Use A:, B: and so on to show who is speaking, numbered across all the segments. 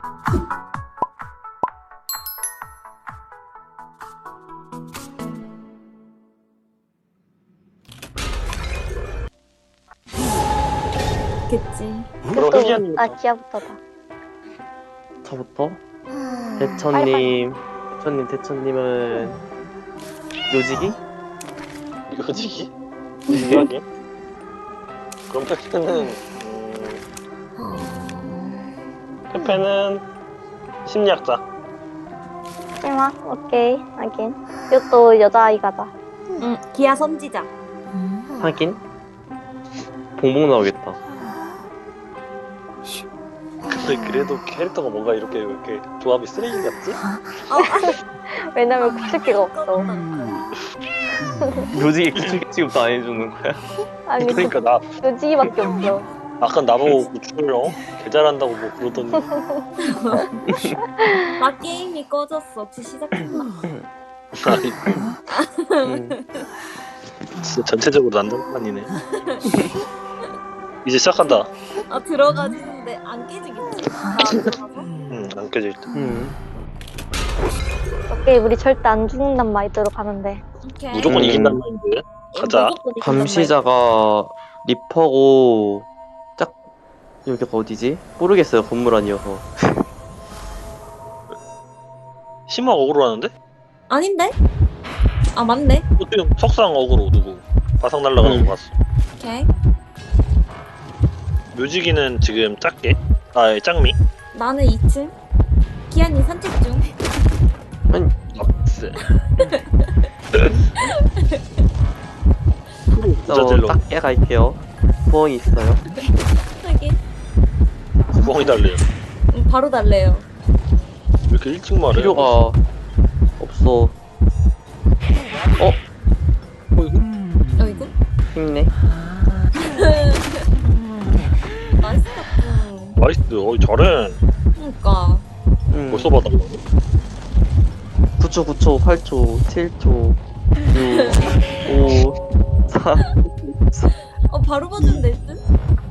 A: 겠지.
B: 그럼 흑이언님
C: 아 기아부터다.
D: 저부터? 대천님, 대천님은 묘지기?
B: 요지기? 요지기? 그럼 페페는 심리학자.
C: 심화? 오케이 하긴. 이것도 여자아이가다.
A: 응, 기아 선지자.
D: 하긴? 봉봉 나오겠다.
B: 근데 그래도 캐릭터가 뭔가 이렇게 조합이 쓰레기 같지?
C: 왜냐면 구축기가 없어.
D: 묘지기 기출 취급도 안 해주는 거야?
C: 아니
B: 그러니까 나
C: 요지기밖에 없어.
B: 아까 나보고 구출을 개 잘한다고 뭐 그러더니
A: 나 게임이 꺼졌어. 혹시 시작했나?
B: 아니,
D: 음.
B: 진짜 전체적으로 난장판이네. 이제 시작한다.
A: 아 들어가지는데 안 깨지겠지? 나안 들어가서?
B: 안 껴질 듯.
C: 오케이 우리 절대 안 죽는단 마인드로 가는데.
A: 오케이.
B: 무조건 이긴단 말인데. 가자.
A: 무조건 이긴단
D: 감시자가 리퍼고 짝 여기가 어디지? 모르겠어요. 건물 아니어서.
B: 심화 어그로 하는데?
A: 말. 아닌데? 아 맞네.
B: 지금 석상 어그로 누구? 바삭 날라가는 거 봤어.
A: 오케이.
B: 묘지기는 지금 작게? 아, 짱미?
A: 나는 2층. 기아님 산책 중.
B: 납스.
D: 저
B: 부자젤로
D: 작게 갈게요. 부엉이 있어요.
A: 하긴.
B: 구멍이 달래요.
A: 바로 달래요.
B: 왜 이렇게 일찍 말해?
D: 필요가 없어.
A: 어이구.
D: 힘내.
A: 나이스 덕분.
B: 나이스. 어이 잘해.
A: 그니까.
B: 벌써 받았네.
D: 9초, 9초, 8초, 7초, 6, 5, 4.
A: 바로 봐주면 될 듯?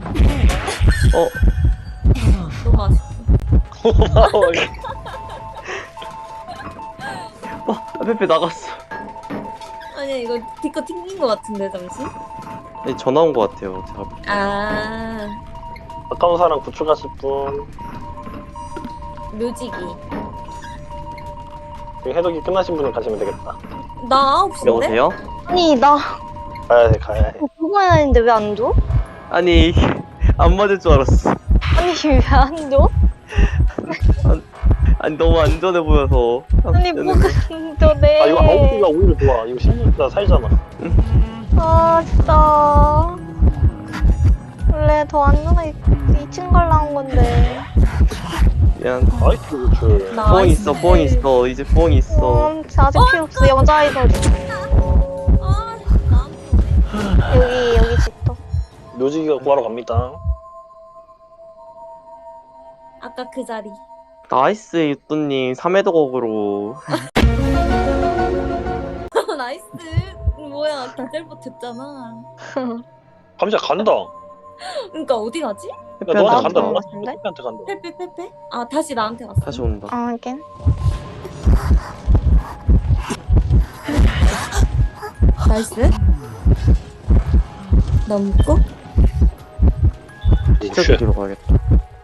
A: 너무 아쉽다.
B: 고마워.
D: 페페 나갔어.
A: 아니야 이거 디코 튕긴 거 같은데 잠시?
D: 네, 전화 온 거 같아요. 제가.
A: 아
B: 가까운 사람 구출하실 분.
A: 묘지기.
B: 지금 해독이 끝나신 분은 가시면 되겠다.
A: 나 9시인데?
D: 여보세요?
C: 아니 나
B: 가야 돼, 가야 해.
C: 그거만 했는데 왜 안 줘?
D: 아니 안 맞을 줄 알았어.
C: 아니 왜 안 줘?
D: 아니 너무 안전해 보여서.
C: 아니 뭐가 안전해.
B: 아, 이거 아웃기가 오히려 좋아. 이거 심리학자 살잖아.
C: 아 진짜 원래 더 안전하게 2층 걸 나온 건데.
D: 미안.
B: 나이스 구출.
D: 부엉이 있어, 부엉이 있어. 이제 부엉이 있어.
C: 아직 필요 없어. 여자아이거든.
A: 아 나한테
C: 여기 집도.
B: 묘지기가 구하러 갑니다.
A: 아까 그 자리.
D: 나이스 유뚜님 3회도곡으로.
A: 나이스. 뭐야 다잘 버텼잖아.
B: 감자 간다.
A: 그러니까 어디 가지?
B: 야, 너한테
C: 나한테
B: 간다.
C: 온 것
B: 너한테
C: 같은데?
B: 간다.
A: 페페페페? 아 다시 나한테 왔어.
D: 다시 온다.
C: 아 하긴.
A: 나이스. 넘고.
D: 진짜
B: 쉣.
D: 뒤로 가야겠다.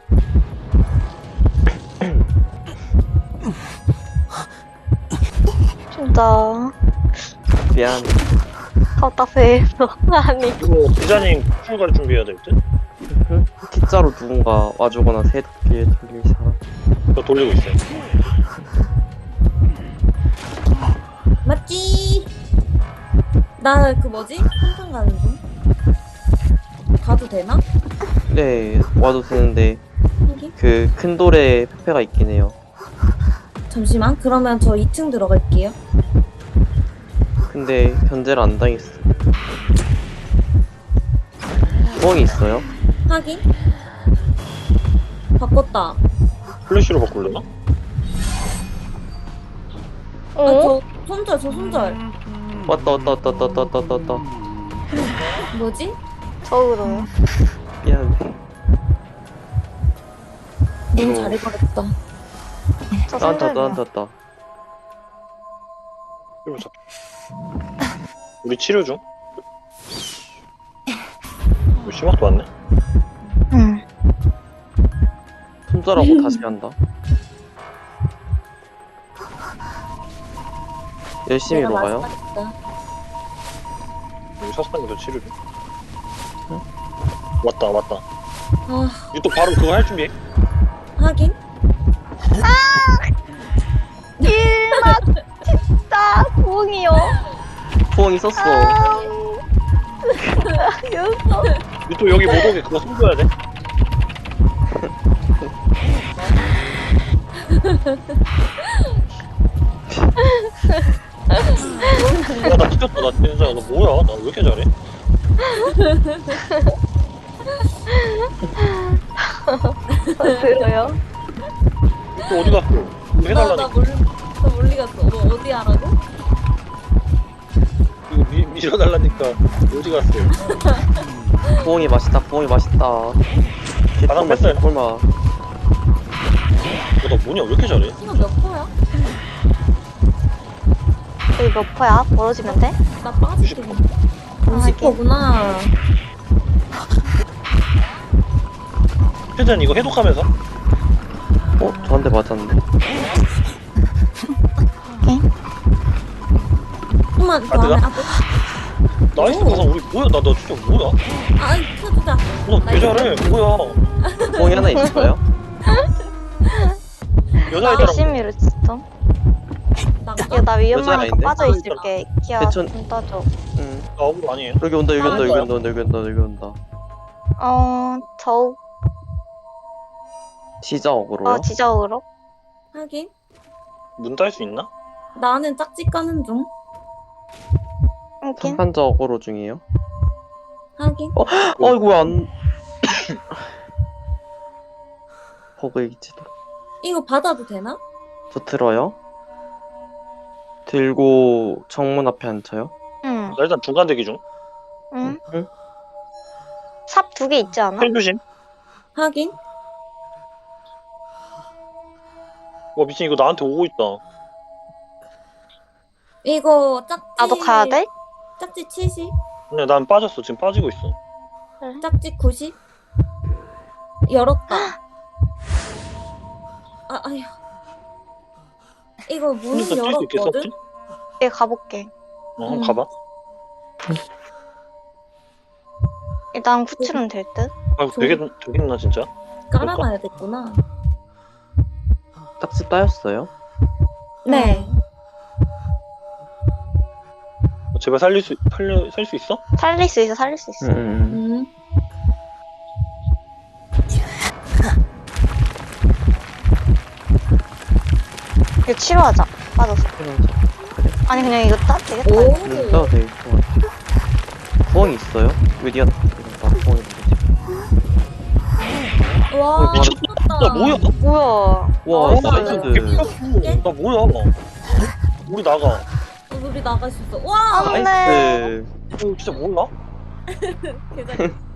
C: 진짜
D: 미안.
C: 답답해서 아니.
B: 이거 기자님 구출 갈 준비해야 될 듯?
D: T자로 누군가 와주거나 새롭게 돌릴 사람.
B: 저 돌리고 있어요.
A: 맞지? 나 그 뭐지? 한탕 가는 중. 가도 되나?
D: 네, 와도 되는데
A: 여기?
D: 그 큰 돌에 페페가 있긴 해요.
A: 잠시만. 그러면 저 2층 들어갈게요.
D: 근데 견제를 안 당했어. 부엉이 있어요?
A: 확인. 바꿨다.
B: 플래시로 바꾸려나?
A: 아,
C: 어?
A: 저 손절.
D: 왔다.
A: 뭐지?
C: 저으로요.
D: 미안해.
A: 너무
D: 이거-
A: 잘해버렸다.
C: 저
D: 나한테
C: 생각이야.
D: 나한테.
B: 이거 잡. 우리 치료 중. 우리 심학도 왔네.
C: 응.
D: 손절하고 다시 한다. 열심히
A: 내가
D: 먹어요.
A: 마지막이다.
B: 우리 석상이도 치료 중. 왔다 왔다.
A: 아,
B: 이거 또 바로 그거 할 준비해.
A: 하긴.
C: 일나 진짜 부엉이요.
D: 부엉이 썼어.
C: 여기서
B: 이거 또 여기 못 오게 그거 숨겨야 돼. 나 뒤졌다 나 진짜 너 뭐야 나 왜 이렇게 잘해?
C: 들어요.
B: 또 어디 갔어? 이거 해달라니까.
A: 나 멀리 갔어. 너 어디 하라고?
B: 이거 밀어달라니까 어디 갔어요?
D: 부엉이 맛있다. 부엉이 맛있다.
B: 바람 뺐어요?
D: 꿀맛.
B: 너 뭐냐 왜 이렇게 잘해?
A: 이거 몇 퍼야?
C: 여기 몇 퍼야? 멀어지면 돼?
A: 나 빠질게. 50퍼구나.
B: 최대한 이거 해독하면서
D: 저한테 맞았는데.
A: 좀만 더
B: 내가?
A: 안에.
B: 나이스
A: 오.
B: 가서 우리 뭐야 나 진짜 뭐야?
A: 아, 켜주자.
B: 너개 잘해 뭐야?
D: 부엉이 하나 있을까요?
B: 여자애들하고
C: 열심히로 진짜.
A: 난가?
C: 야, 나 위험하니까
D: 여자아인데?
C: 빠져 있을게. 키야,
D: 대천-
C: 좀 떠줘.
D: 응.
B: 나 억울 아니에요?
D: 여기 온다. 여기 온다. 여기
B: 뭐야?
D: 온다. 여기 온다. 여기 온다. 시작으로요?
C: 지저으로?
A: 하긴.
B: 문 딸 수 있나?
A: 나는 짝짓 가는 중.
C: 하긴.
D: 한판적으로 중이에요.
A: 하긴.
D: 아이고 안. 버그이지도.
A: 이거 받아도 되나?
D: 저 들어요. 들고 정문 앞에 앉혀요.
C: 응.
B: 나 일단 중간 대기 중.
C: 응.
D: 응?
C: 삽 2개 있지 않아?
B: 펜 조심.
A: 하긴.
B: 와 미친 이거 나한테 오고 있다.
A: 이거 짝짓.
C: 나도 가야 돼?
A: 짝짓 70?
B: 근데 난 빠졌어 지금 빠지고 있어.
A: 짝짓 90? 열었다. 아, 아휴. 이거 문은
B: 혼자서 뛸 수 있겠어?
A: 열었거든?
C: 내가 가볼게.
B: 한번
A: 응.
B: 가봐.
C: 일단 구출은 될 듯?
B: 아 되겠나 진짜?
A: 깔아놔야겠구나.
D: 딱지 따였어요?
A: 네.
B: 제발 살 수 있어?
C: 살릴 수 있어, 살릴 수 있어.
A: 음.
C: 이거 치료하자. 빠졌어. 아니, 그냥 이거 따 되겠다.
A: 오.
C: 이거.
D: 떠도 돼. 부엉이 있어요? 위디안. 부엉이 있지.
A: 와,
B: 미쳤다. 나 뭐야?
C: 뭐야.
D: 와
A: 어,
D: 나이스.
B: 나 뭐야? 우리 나가.
A: 우리 나갈 수 있어. 와!
C: 안 돼.
D: 나이스.
B: 이거 진짜 몰라?
A: 계단.